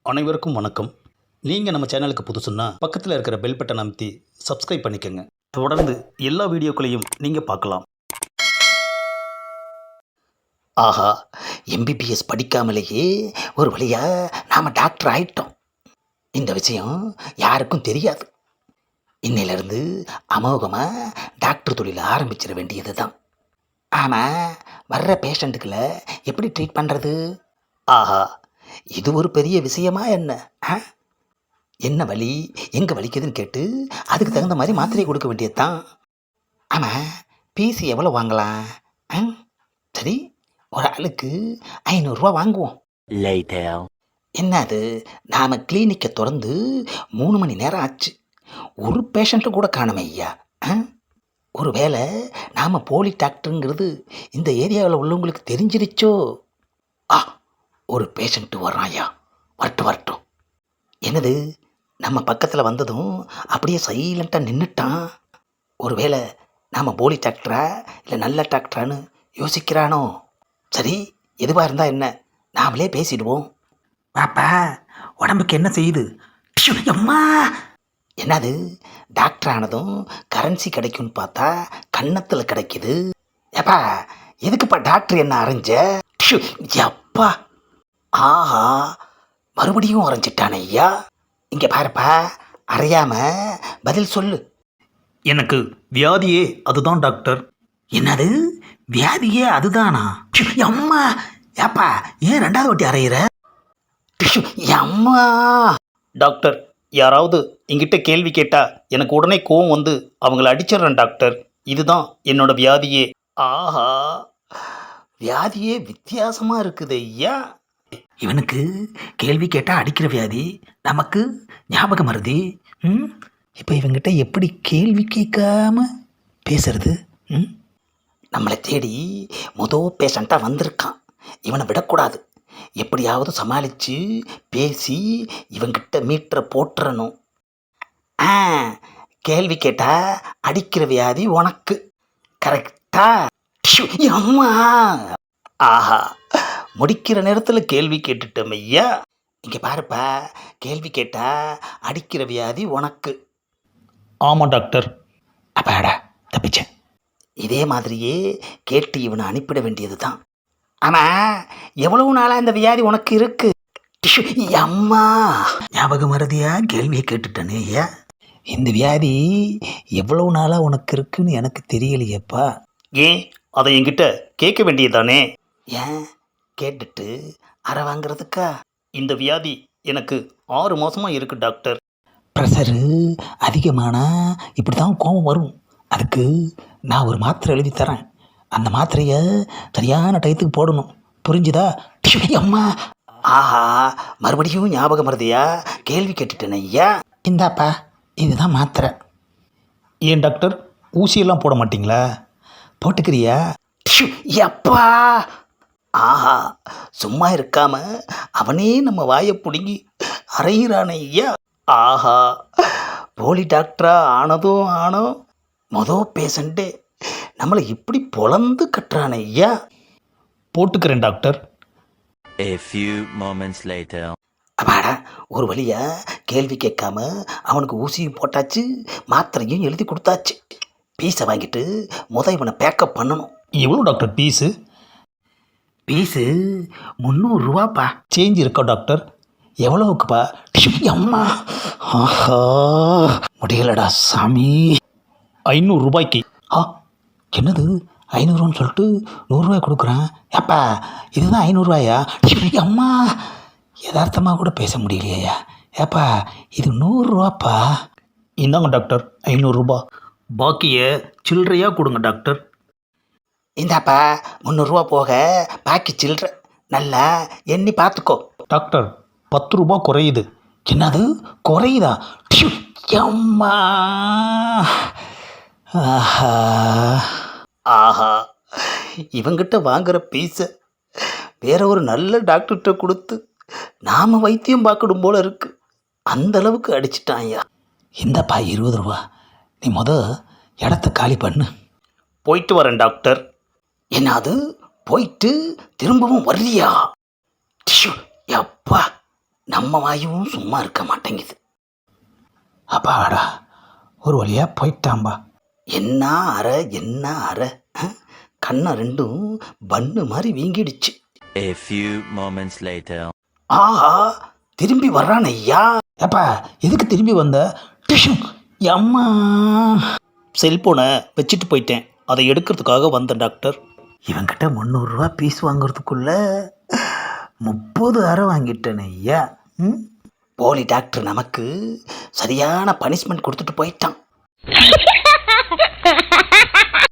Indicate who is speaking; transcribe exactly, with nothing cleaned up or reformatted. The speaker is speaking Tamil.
Speaker 1: அனைவருக்கும் வணக்கம். நீங்கள் நம்ம சேனலுக்கு புதுசுன்னா பக்கத்தில் இருக்கிற பெல் பட்டன் அமைத்தி சப்ஸ்கிரைப் பண்ணிக்கோங்க. தொடர்ந்து எல்லா வீடியோக்களையும் நீங்கள் பார்க்கலாம்.
Speaker 2: ஆஹா, எம்பிபிஎஸ் படிக்காமலேயே ஒரு வழியாக நாம் டாக்டர் ஆயிட்டோம். இந்த விஷயம் யாருக்கும் தெரியாது. இன்னையிலேருந்து அமோகமாக டாக்டர் தொழில் ஆரம்பிச்சிட வேண்டியது தான். ஆமாம், வர்ற பேஷண்ட்டுக்களை எப்படி ட்ரீட் பண்ணுறது? ஆஹா, இது ஒரு பெரிய விஷயமா என்ன? ஆ என்ன வலி, எங்கே வலிக்குதுன்னு கேட்டு அதுக்கு தகுந்த மாதிரி மாத்திரையை கொடுக்க வேண்டியது தான். ஆமாம், பீஸ் எவ்வளோ வாங்கலாம்? ஆ சரி, ஒரு ஆளுக்கு ஐநூறுரூவா வாங்குவோம். என்ன அது, நாம் கிளினிக்கை திறந்து மூணு மணி நேரம் ஆச்சு, ஒரு பேஷண்ட்டு கூட காணுமே ஐயா. ஆ ஒரு வேளை நாம் போலி டாக்டருங்கிறது இந்த ஏரியாவில் உள்ளவங்களுக்கு தெரிஞ்சிருச்சோ? ஆ ஒரு பேஷண்ட்டு வர்றான் ஐயா, வரட்டும் வரட்டும். என்னது, நம்ம பக்கத்தில் வந்ததும் அப்படியே சைலண்ட்டாக நின்றுட்டான். ஒரு வேளை நாம் போலி டாக்டரா இல்லை நல்ல டாக்டரான்னு யோசிக்கிறானோ? சரி, எதுவாக இருந்தால் என்ன, நாமளே பேசிடுவோம். பாப்பா, உடம்புக்கு என்ன செய்யுது? ப்ஷு, அம்மா! என்னது, டாக்டர் ஆனதும் கரன்சி கிடைக்கும்னு பார்த்தா கன்னத்தில் கிடைக்குது. ஏப்பா, எதுக்குப்பா டாக்டர் என்ன அரைஞ்ச? ப்ஷு, அப்பா! ஆஹா, மறுபடியும் அரைஞ்சிட்டானே ஐயா. இங்கே பாருப்பா, அறையாம பதில் சொல்லு.
Speaker 1: எனக்கு வியாதியே அதுதான் டாக்டர்.
Speaker 2: என்னது, வியாதியே அதுதானா? ப்ஷு, அம்மா! ஏப்பா, ஏன் ரெண்டாவது வாட்டி அறையிற? ப்ஷு, அம்மா!
Speaker 1: டாக்டர், யாராவது என்கிட்ட கேள்வி கேட்டால் எனக்கு உடனே கோவம் வந்து அவங்கள அடிச்சிடுறேன் டாக்டர். இதுதான் என்னோட வியாதியே.
Speaker 2: ஆஹா, வியாதியே வித்தியாசமாக இருக்குது ஐயா. இவனுக்கு கேள்வி கேட்டால் அடிக்கிற வியாதி, நமக்கு ஞாபகம் மருதி. ம் இப்போ இவங்கிட்ட எப்படி கேள்வி கேட்காம பேசுறது? ம் நம்மளை தேடி மொதல் பேஷண்ட்டாக வந்திருக்கான், இவனை விடக்கூடாது. எப்படியாவது சமாளித்து பேசி இவங்கிட்ட மீட்டரை போட்டுறணும். ஆ கேள்வி கேட்டால் அடிக்கிற வியாதி உனக்கு, கரெக்டா? அம்மா! ஆஹா, முடிக்கிற நேரத்தில் கேள்வி கேட்டுட்டோம் ஐயா. இங்கே பாருப்பா, கேள்வி கேட்டால் அடிக்கிற வியாதி உனக்கு.
Speaker 1: ஆமாம் டாக்டர்.
Speaker 2: அப்பாடா, தப்பிச்சேன். இதே மாதிரியே கேட்டு இவனை அனுப்பிட வேண்டியது தான். ஆமாம், எவ்வளவு நாளாக இந்த வியாதி உனக்கு இருக்கு? அம்மா! ஞாபகம் மறதியா கேள்வியை கேட்டுட்டனே ஐயா. இந்த வியாதி எவ்வளவு நாளாக உனக்கு இருக்குன்னு எனக்கு தெரியலையேப்பா.
Speaker 1: ஏன் அதை என்கிட்ட கேட்க வேண்டியதானே?
Speaker 2: ஏன் கேட்டுட்டு அரை வாங்கிறதுக்கா?
Speaker 1: இந்த வியாதி எனக்கு ஆறு மாதமாக இருக்கு டாக்டர்.
Speaker 2: ப்ரெஷரு அதிகமானால் இப்படி தான் கோபம் வரும். அதுக்கு நான் ஒரு மாத்திரை எழுதி தரேன். அந்த மாத்திரையை சரியான டயத்துக்கு போடணும், புரிஞ்சுதா? அம்மா! ஆஹா, மறுபடியும் ஞாபகம் வருதையா கேள்வி கேட்டுட்டேன் ஐயா. இந்தாப்பா, இதுதான் மாத்திரை.
Speaker 1: ஏன் டாக்டர், ஊசியெல்லாம் போட மாட்டிங்களா?
Speaker 2: போட்டுக்கிறியா? அப்பா! ஆஹா, சும்மா இருக்காம அவனே நம்ம வாயை பிடுங்கி அறையிறானே ஐயா. ஆஹா, போலி டாக்டரா ஆனதும் ஆனோ, மொதல் பேஷண்ட்டே நம்மளை இப்படி பொழந்து கட்டுறானே ஐயா.
Speaker 1: போட்டுக்கிறேன் doctor.
Speaker 3: A few moments later.
Speaker 2: அப்பாடா, ஒரு வழியா கேள்வி கேட்காம அவனுக்கு ஊசியும் போட்டாச்சு, மாத்திரையும் எழுதி கொடுத்தாச்சு. பீஸை வாங்கிட்டு முத இவனை பேக்கப் பண்ணணும்.
Speaker 1: எவ்வளோ டாக்டர் பீஸு?
Speaker 2: பீஸு முந்நூறுரூவாப்பா.
Speaker 1: சேஞ்ச் இருக்கா டாக்டர்?
Speaker 2: எவ்வளோவுக்குப்பா? அம்மா! ஆஹா, முடியலடா சாமி.
Speaker 1: ஐநூறுரூபாய்க்கு.
Speaker 2: ஆ என்னது, ஐநூறுவான்னு சொல்லிட்டு நூறுரூவாய் கொடுக்குறான். ஏப்பா, இதுதான் ஐநூறுரூவாயா? அம்மா! யதார்த்தமாக கூட பேச முடியலையா? ஏப்பா, இது நூறுரூவாப்பா.
Speaker 1: இந்தாங்க டாக்டர் ஐநூறுரூபா. பாக்கியை சில்லறையாக கொடுங்க டாக்டர்.
Speaker 2: இந்தாப்பா, முந்நூறுரூவா போக பாக்கி சில்லற, நல்லா எண்ணி பார்த்துக்கோ.
Speaker 1: டாக்டர், பத்து ரூபா குறையுது.
Speaker 2: என்னது, குறையுதா? அம்மா! ஆஹா ஆஹா, இவங்கிட்ட வாங்குகிற பீஸை வேற ஒரு நல்ல டாக்டர்கிட்ட கொடுத்து நாம் வைத்தியம் பார்க்கணும் போல இருக்கு. அந்தளவுக்கு அடிச்சிட்டான் ஐயா. இந்தப்பா இருபது ரூபா, நீ முத இடத்த காலி பண்ணு.
Speaker 1: போயிட்டு வரேன் டாக்டர்.
Speaker 2: என்னது, போயிட்டு திரும்பவும் வர்றியா? அப்பா, நம்ம வாயும் சும்மா இருக்க மாட்டேங்குது.
Speaker 1: அப்பாடா, ஒரு வழியாக போயிட்டாம்பா.
Speaker 2: என்ன அறை என்ன அறை, அஹ், கண்ணை ரெண்டும் பன்னு மாதிரி வீங்கிடுச்சு.
Speaker 3: A few moments later.
Speaker 2: ஆஹா, திரும்பி வர்றான் ஐயா.
Speaker 1: ஏப்பா எதுக்கு திரும்பி வந்த? டிஷு அம்மா, செல்போனை வச்சுட்டு போயிட்டேன், அதை எடுக்கிறதுக்காக வந்தேன் டாக்டர்.
Speaker 2: இவங்கிட்ட முந்நூறுரூவா பீஸ் வாங்குறதுக்குள்ள முப்பது அறை வாங்கிட்டேன் ஐயா. ம், போலி டாக்டர் நமக்கு சரியான பனிஷ்மெண்ட் கொடுத்துட்டு போயிட்டான்.